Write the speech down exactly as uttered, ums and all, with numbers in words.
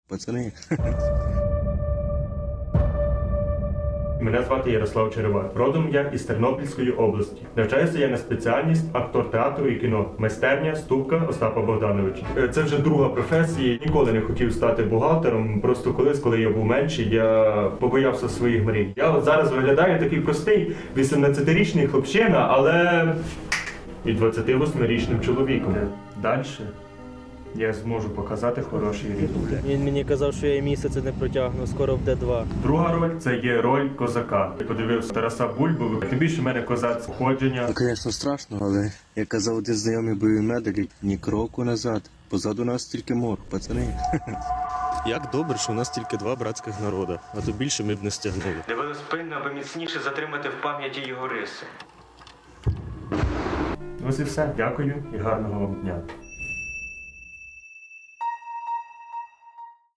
пацани. Мене звати Ярослав Черевак. Родом я із Тернопільської області. Навчаюся я на спеціальність актор театру і кіно. Майстерня Ступка Остапа Богдановича. Е, Це вже друга професія. Ніколи не хотів стати бухгалтером. Просто колись, коли я був менший, я побоявся своїх мрій. Я от зараз виглядаю такий простий вісімнадцятирічний хлопчина, але і двадцятивосьмирічним чоловіком. Далі я зможу показати хороший результат. Він мені казав, що я і місяця не протягну, скоро буде два. Друга роль це є роль козака. Я подивився Тараса Бульбу. Тим більше в мене козацьке походження. Ну, звісно, страшно, але як казав один знайомий бойовий медик, ні кроку назад. Позаду нас тільки мор, пацани. Як добре, що у нас тільки два братських народи, а то більше ми б не стягнули. Дивились пильно, аби міцніше затримати в пам'яті його риси. Ось і все. Дякую і гарного вам дня.